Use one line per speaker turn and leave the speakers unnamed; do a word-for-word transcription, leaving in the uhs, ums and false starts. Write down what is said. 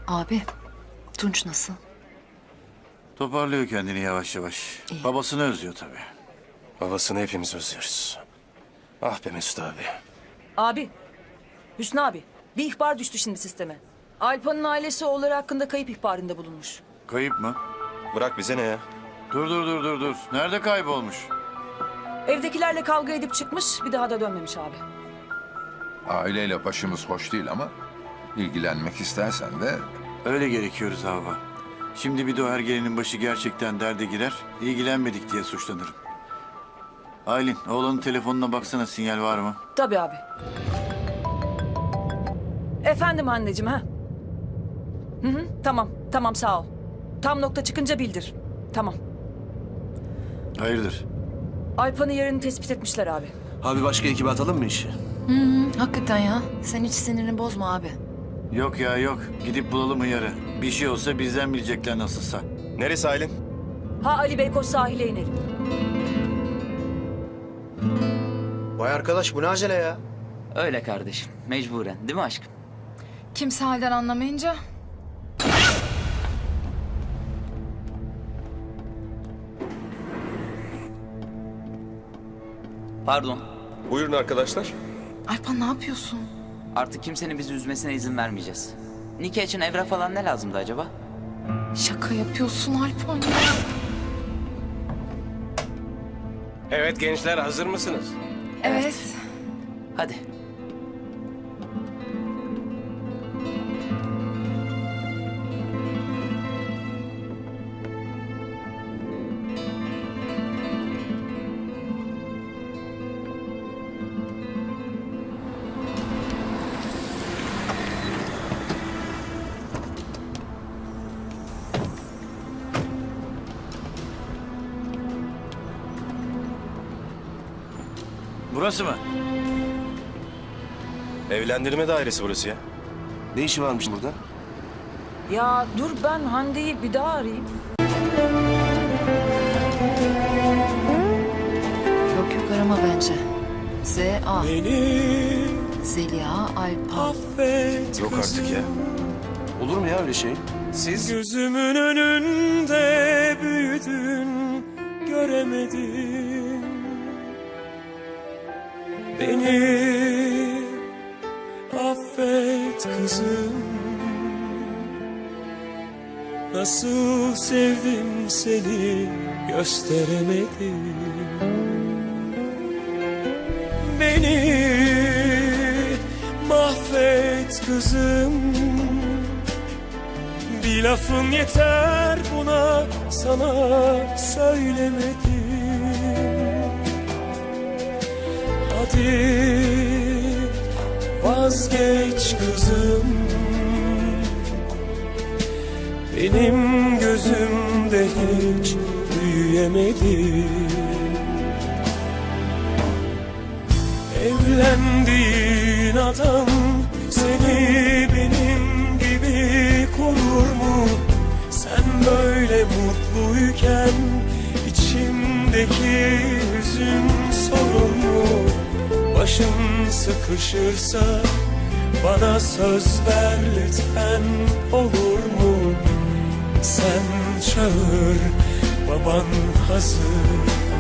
Abi, Tunç nasıl?
Toparlıyor kendini yavaş yavaş.
İyi.
Babasını özlüyor tabii.
Babasını hepimiz özlüyoruz. Ah be Mesut abi.
Abi, Hüsnü abi, bir ihbar düştü şimdi sisteme. Alpa'nın ailesi oğulları hakkında kayıp ihbarında bulunmuş.
Kayıp mı?
Bırak bize ne ya?
Dur dur dur dur dur. Nerede kaybolmuş?
Evdekilerle kavga edip çıkmış, bir daha da dönmemiş abi.
Aileyle başımız hoş değil ama ilgilenmek istersen de
Öyle gerekiyoruz baba. Şimdi bir de o ergelenin başı gerçekten derde girer, ilgilenmedik diye suçlanırım. Aylin, oğlanın telefonuna baksana, sinyal var mı?
Tabii abi. Efendim anneciğim ha? Hı hı, tamam, tamam sağ ol. Tam nokta çıkınca bildir. Tamam.
Hayırdır?
Alpa'nın yerini tespit etmişler abi.
Abi başka ekibe atalım mı işi?
Hı hı, hakikaten ya. Sen hiç sinirini bozma abi.
Yok ya yok. Gidip bulalım hıyarı. Bir şey olsa bizden bilecekler nasılsa.
Neresi Aylin?
Ha Ali Beykoz sahile inelim.
Vay arkadaş bu ne acele ya?
Öyle kardeşim. Mecburen. Değil mi aşkım?
Kimse halden anlamayınca...
Pardon.
Buyurun arkadaşlar.
Alpan ne yapıyorsun?
Artık kimsenin bizi üzmesine izin vermeyeceğiz. Nikah için evrak falan ne lazımdı acaba?
Şaka yapıyorsun Alpan ya.
Evet gençler hazır mısınız?
Evet.
Hadi.
Burası mı?
Evlendirme dairesi burası ya.
Ne işi varmış burada?
Ya dur ben Hande'yi bir daha arayayım.
Yok yok arama bence. Z A. Zeliha Alpan.
Yok artık ya.
Olur mu ya öyle şey?
Siz?
Gözümün önünde büyüdün, göremedim. Beni affet kızım. Nasıl sevdim seni gösteremedim. Beni mahvet kızım. Bir lafın yeter buna, sana söylemedim. Hadi vazgeç kızım. Benim gözümde hiç büyüyemedin. Evlendiğin adam seni benim gibi korur mu? Sen böyle mutluyken içimdeki hüzün sorur mu? Başın sıkışırsa bana söz ver lütfen, olur mu? Sen çağır, baban hazır.